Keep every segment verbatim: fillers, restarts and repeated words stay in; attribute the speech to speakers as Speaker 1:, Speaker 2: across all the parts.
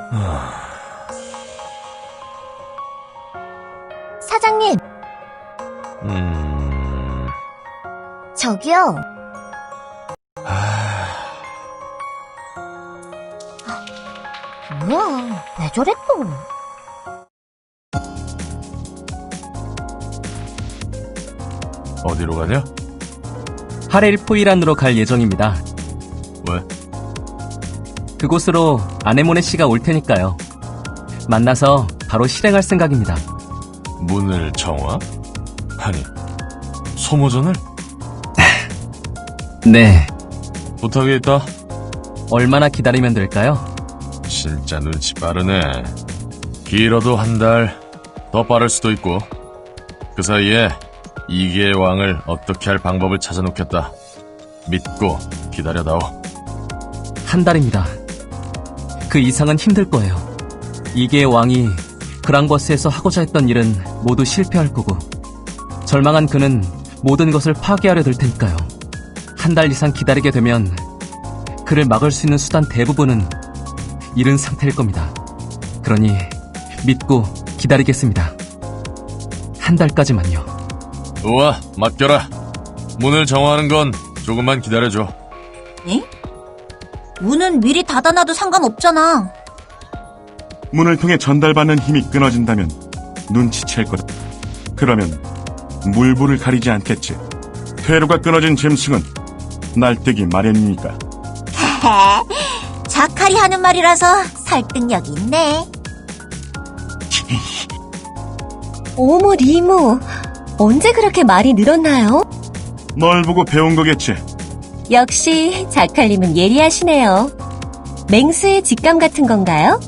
Speaker 1: 사장님,
Speaker 2: 음...
Speaker 1: 저기요. 뭐야, 왜 저래 또?
Speaker 2: 어디로 가냐?
Speaker 3: 하렐 포이란으로 갈 예정입니다.
Speaker 2: 왜?
Speaker 3: 그곳으로 아네모네 씨가 올 테니까요. 만나서 바로 실행할 생각입니다.
Speaker 2: 문을 정화? 아니, 소모전을?
Speaker 3: 네.
Speaker 2: 부탁이 있다.
Speaker 3: 얼마나 기다리면 될까요?
Speaker 2: 진짜 눈치 빠르네. 길어도 한 달, 더 빠를 수도 있고. 그 사이에 이계의 왕을 어떻게 할 방법을 찾아놓겠다. 믿고 기다려다오.
Speaker 3: 한 달입니다. 그 이상은 힘들 거예요. 이계의 왕이 그랑버스에서 하고자 했던 일은 모두 실패할 거고, 절망한 그는 모든 것을 파괴하려 들 테니까요. 한 달 이상 기다리게 되면 그를 막을 수 있는 수단 대부분은 잃은 상태일 겁니다. 그러니 믿고 기다리겠습니다. 한 달까지만요.
Speaker 2: 우와, 맡겨라. 문을 정화하는 건 조금만 기다려줘.
Speaker 1: 에? 문은 미리 닫아놔도 상관없잖아.
Speaker 4: 문을 통해 전달받는 힘이 끊어진다면 눈치챌 거다. 그러면 물불을 가리지 않겠지. 퇴로가 끊어진 짐승은 날뛰기 마련이니까.
Speaker 1: 자칼이 하는 말이라서 설득력이 있네.
Speaker 5: 어머, 리모. 언제 그렇게 말이 늘었나요?
Speaker 4: 널 보고 배운 거겠지.
Speaker 5: 역시 자칼님은 예리하시네요. 맹수의 직감 같은 건가요?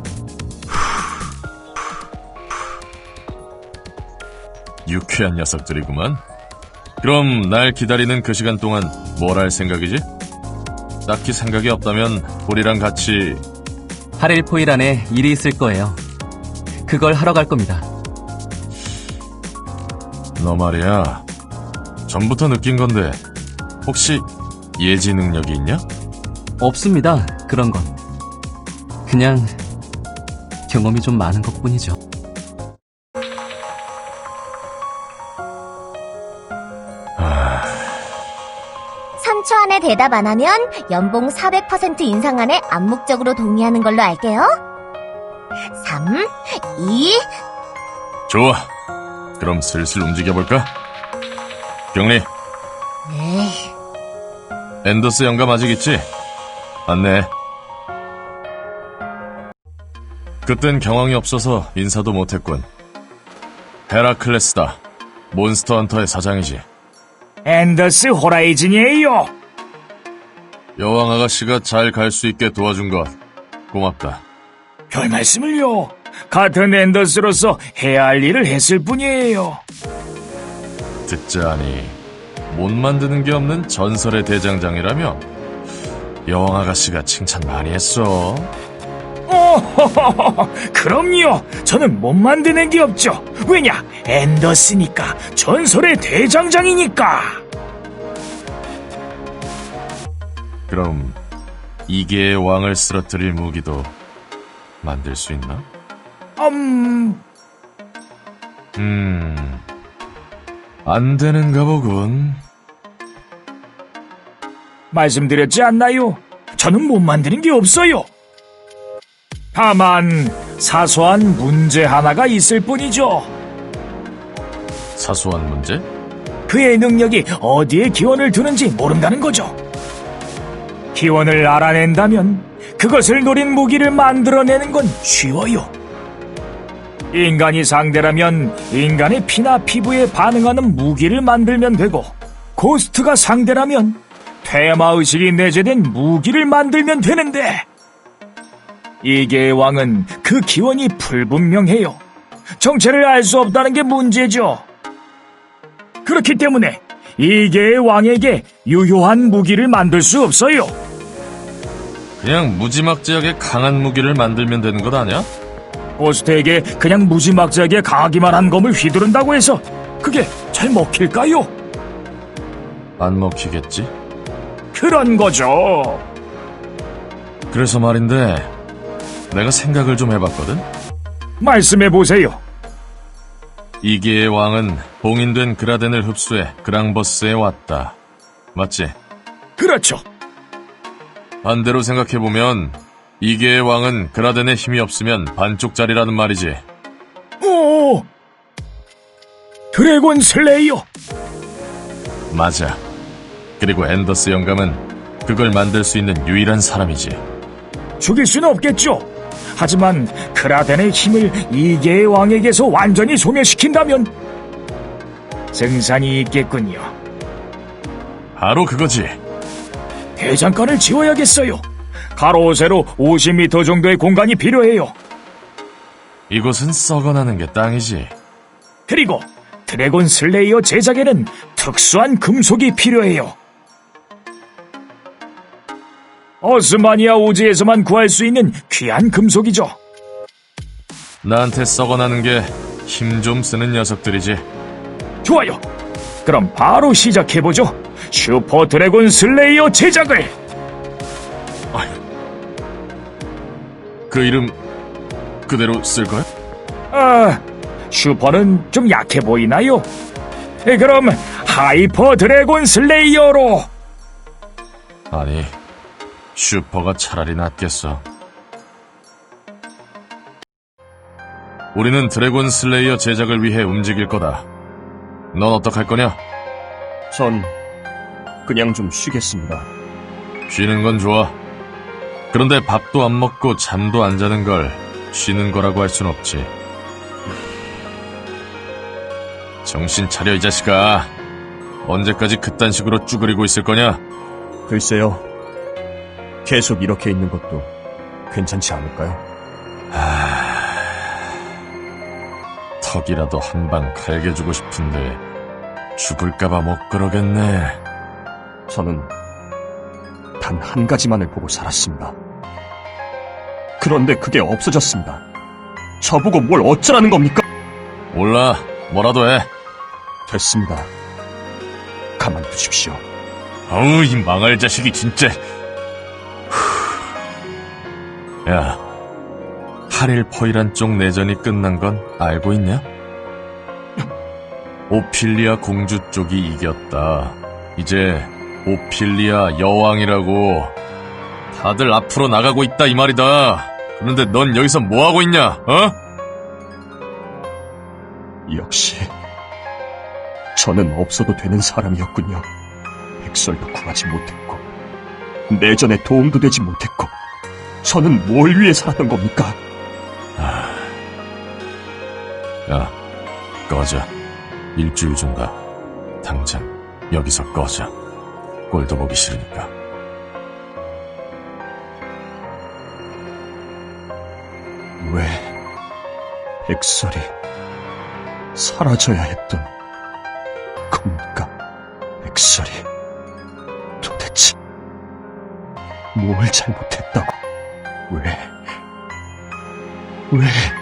Speaker 2: 유쾌한 녀석들이구만. 그럼 날 기다리는 그 시간 동안 뭘 할 생각이지? 딱히 생각이 없다면 우리랑 같이...
Speaker 3: 하렐 포이란에 일이 있을 거예요. 그걸 하러 갈 겁니다.
Speaker 2: 너 말이야, 전부터 느낀 건데 혹시 예지 능력이 있냐?
Speaker 3: 없습니다. 그런 건. 그냥 경험이 좀 많은 것뿐이죠.
Speaker 1: 삼 초 안에 대답 안 하면 연봉 사백 퍼센트 인상안에 암묵적으로 동의하는 걸로 알게요. 삼, 이...
Speaker 2: 좋아, 그럼 슬슬 움직여볼까? 경리,
Speaker 1: 에이,
Speaker 2: 앤더스 영감 아직 있지? 안내. 그땐 경황이 없어서 인사도 못했군. 헤라클레스다. 몬스터 헌터의 사장이지.
Speaker 6: 앤더스 호라이즌이에요.
Speaker 2: 여왕 아가씨가 잘 갈 수 있게 도와준 것 고맙다.
Speaker 6: 별 말씀을요. 같은 앤더스로서 해야 할 일을 했을 뿐이에요.
Speaker 2: 듣자하니 못 만드는 게 없는 전설의 대장장이라며? 여왕 아가씨가 칭찬 많이 했어.
Speaker 6: 오호호호, 그럼요. 저는 못 만드는 게 없죠. 왜냐? 앤더스니까. 전설의 대장장이니까.
Speaker 2: 그럼 이계의 왕을 쓰러뜨릴 무기도 만들 수 있나?
Speaker 6: 음...
Speaker 2: 음... 안 되는가 보군.
Speaker 6: 말씀드렸지 않나요? 저는 못 만드는 게 없어요. 다만 사소한 문제 하나가 있을 뿐이죠.
Speaker 2: 사소한 문제?
Speaker 6: 그의 능력이 어디에 기원을 두는지 모른다는 거죠. 기원을 알아낸다면 그것을 노린 무기를 만들어내는 건 쉬워요. 인간이 상대라면 인간의 피나 피부에 반응하는 무기를 만들면 되고, 고스트가 상대라면 테마의식이 내재된 무기를 만들면 되는데, 이계의 왕은 그 기원이 불분명해요. 정체를 알 수 없다는 게 문제죠. 그렇기 때문에 이계의 왕에게 유효한 무기를 만들 수 없어요.
Speaker 2: 그냥 무지막지하게 강한 무기를 만들면 되는 것 아니야?
Speaker 6: 고스트에게 그냥 무지막지하게 강하기만 한 검을 휘두른다고 해서 그게 잘 먹힐까요?
Speaker 2: 안 먹히겠지?
Speaker 6: 그런 거죠.
Speaker 2: 그래서 말인데 내가 생각을 좀 해봤거든?
Speaker 6: 말씀해 보세요.
Speaker 2: 이계의 왕은 봉인된 그라덴을 흡수해 그랑버스에 왔다. 맞지?
Speaker 6: 그렇죠.
Speaker 2: 반대로 생각해보면 이계의 왕은 그라덴에 힘이 없으면 반쪽짜리라는 말이지.
Speaker 6: 오! 드래곤 슬레이어!
Speaker 2: 맞아. 그리고 앤더스 영감은 그걸 만들 수 있는 유일한 사람이지.
Speaker 6: 죽일 수는 없겠죠. 하지만 크라덴의 힘을 이계의 왕에게서 완전히 소멸시킨다면 승산이 있겠군요.
Speaker 2: 바로 그거지.
Speaker 6: 대장간을 지어야겠어요. 가로 세로 오십 미터 정도의 공간이 필요해요.
Speaker 2: 이곳은 썩어나는 게 땅이지.
Speaker 6: 그리고 드래곤 슬레이어 제작에는 특수한 금속이 필요해요. 어스마니아 오지에서만 구할 수 있는 귀한 금속이죠.
Speaker 2: 나한테 썩어나는 게 힘 좀 쓰는 녀석들이지.
Speaker 6: 좋아요. 그럼 바로 시작해보죠. 슈퍼 드래곤 슬레이어 제작을.
Speaker 2: 그 이름 그대로 쓸 거야?
Speaker 6: 아, 슈퍼는 좀 약해 보이나요? 네, 그럼 하이퍼 드래곤 슬레이어로.
Speaker 2: 아니, 슈퍼가 차라리 낫겠어. 우리는 드래곤 슬레이어 제작을 위해 움직일 거다. 넌 어떡할 거냐?
Speaker 7: 전 그냥 좀 쉬겠습니다.
Speaker 2: 쉬는 건 좋아. 그런데 밥도 안 먹고 잠도 안 자는 걸 쉬는 거라고 할 순 없지. 정신 차려, 이 자식아. 언제까지 그딴 식으로 쭈그리고 있을 거냐?
Speaker 7: 글쎄요. 계속 이렇게 있는 것도 괜찮지 않을까요?
Speaker 2: 턱이라도 한 방 갈겨주고 싶은데 죽을까봐 못 그러겠네.
Speaker 7: 저는 단 한 가지만을 보고 살았습니다. 그런데 그게 없어졌습니다. 저보고 뭘 어쩌라는 겁니까?
Speaker 2: 몰라, 뭐라도 해.
Speaker 7: 됐습니다. 가만두십시오.
Speaker 2: 어우, 이 망할 자식이 진짜. 후. 야, 하릴포이란 쪽 내전이 끝난 건 알고 있냐? 오필리아 공주 쪽이 이겼다. 이제 오필리아 여왕이라고. 다들 앞으로 나가고 있다 이 말이다. 그런데 넌 여기서 뭐하고 있냐, 어?
Speaker 7: 역시 저는 없어도 되는 사람이었군요. 백설도 구하지 못했고 내전에 도움도 되지 못했고 저는 뭘 위해 살았던 겁니까?
Speaker 2: 야, 꺼져. 일주일 준다. 당장 여기서 꺼져. 꼴도 보기 싫으니까.
Speaker 7: 왜 백설이 사라져야 했던 겁니까? 백설이 도대체 뭘 잘못했다고? 왜? 왜?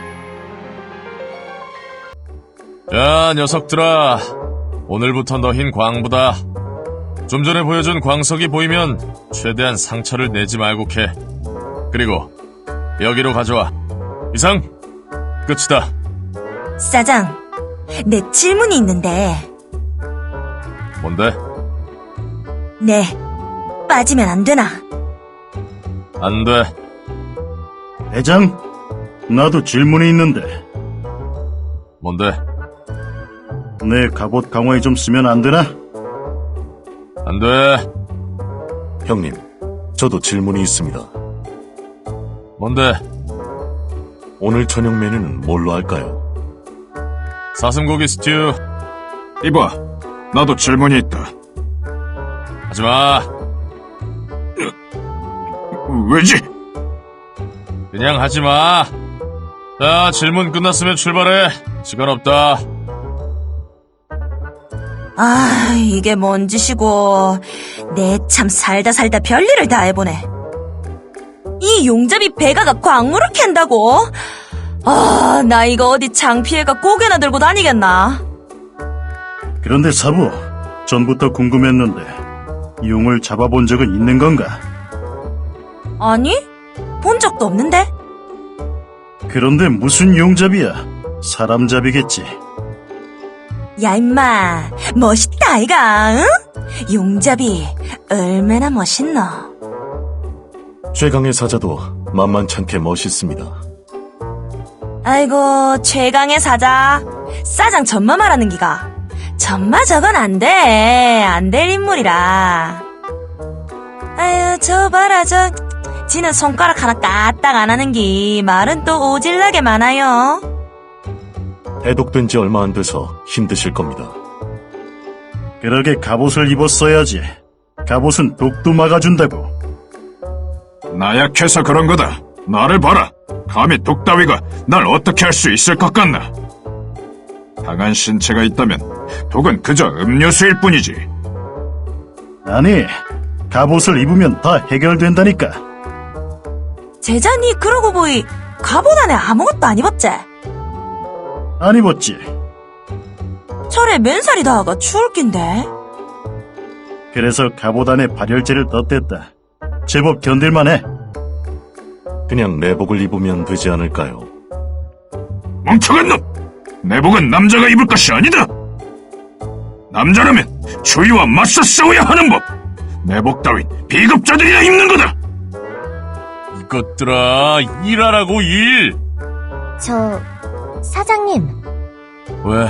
Speaker 2: 야, 녀석들아. 오늘부터 너흰 광부다. 좀 전에 보여준 광석이 보이면 최대한 상처를 내지 말고 캐. 그리고 여기로 가져와. 이상 끝이다.
Speaker 8: 사장, 내 질문이 있는데,
Speaker 2: 뭔데?
Speaker 8: 네, 빠지면 안 되나?
Speaker 2: 안 돼.
Speaker 4: 대장, 나도 질문이 있는데
Speaker 2: 뭔데?
Speaker 4: 내 갑옷 강화에 좀 쓰면 안 되나?
Speaker 2: 안 돼.
Speaker 9: 형님, 저도 질문이 있습니다.
Speaker 2: 뭔데?
Speaker 9: 오늘 저녁 메뉴는 뭘로 할까요?
Speaker 2: 사슴고기 스튜.
Speaker 4: 이봐, 나도 질문이 있다.
Speaker 2: 하지마.
Speaker 4: 왜지?
Speaker 2: 그냥 하지마. 자, 질문 끝났으면 출발해. 시간 없다.
Speaker 8: 아, 이게 뭔 짓이고, 내 참 살다 살다 별일을 다 해보네. 이 용잡이 배가가 광물을 캔다고? 아, 나 이거 어디 창피해가 고개나 들고 다니겠나?
Speaker 4: 그런데 사부, 전부터 궁금했는데 용을 잡아본 적은 있는 건가?
Speaker 8: 아니, 본 적도 없는데?
Speaker 4: 그런데 무슨 용잡이야? 사람잡이겠지.
Speaker 8: 야, 임마. 멋있다, 아이가, 응? 용잡이, 얼마나 멋있노?
Speaker 9: 최강의 사자도 만만찮게 멋있습니다.
Speaker 8: 아이고, 최강의 사자. 사장 전마 말하는 기가. 전마 저건 안 돼. 안 될 인물이라. 아유, 저 봐라, 저. 지는 손가락 하나 까딱 안 하는 기. 말은 또 오질나게 많아요.
Speaker 9: 해독된 지 얼마 안 돼서 힘드실 겁니다.
Speaker 4: 그러게 갑옷을 입었어야지. 갑옷은 독도 막아준다고.
Speaker 6: 나약해서 그런 거다. 나를 봐라. 감히 독 따위가 날 어떻게 할 수 있을 것 같나? 강한 신체가 있다면 독은 그저 음료수일 뿐이지.
Speaker 4: 아니, 갑옷을 입으면 다 해결된다니까.
Speaker 8: 제자니 그러고 보이 갑옷 안에 아무것도 안 입었지?
Speaker 4: 안 입었지.
Speaker 8: 철에 맨살이 닿아가 추울 낀데.
Speaker 4: 그래서 갑옷 안에 발열제를 덧댔다. 제법 견딜만해.
Speaker 9: 그냥 내복을 입으면 되지 않을까요?
Speaker 6: 멍청한 놈! 내복은 남자가 입을 것이 아니다! 남자라면 추위와 맞서 싸워야 하는 법! 내복 따윈 비급자들이나 입는 거다!
Speaker 2: 이것들아, 일하라고, 일!
Speaker 1: 저, 사장님,
Speaker 2: 왜?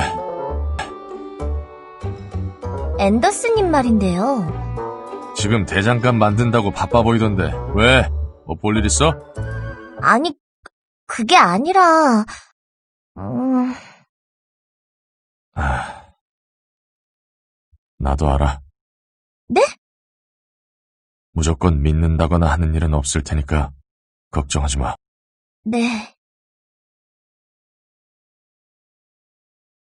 Speaker 1: 앤더스님 말인데요.
Speaker 2: 지금 대장간 만든다고 바빠 보이던데. 왜? 뭐 볼 일 있어?
Speaker 1: 아니, 그게 아니라, 음,
Speaker 2: 아, 나도 알아.
Speaker 1: 네?
Speaker 2: 무조건 믿는다거나 하는 일은 없을 테니까 걱정하지 마.
Speaker 1: 네.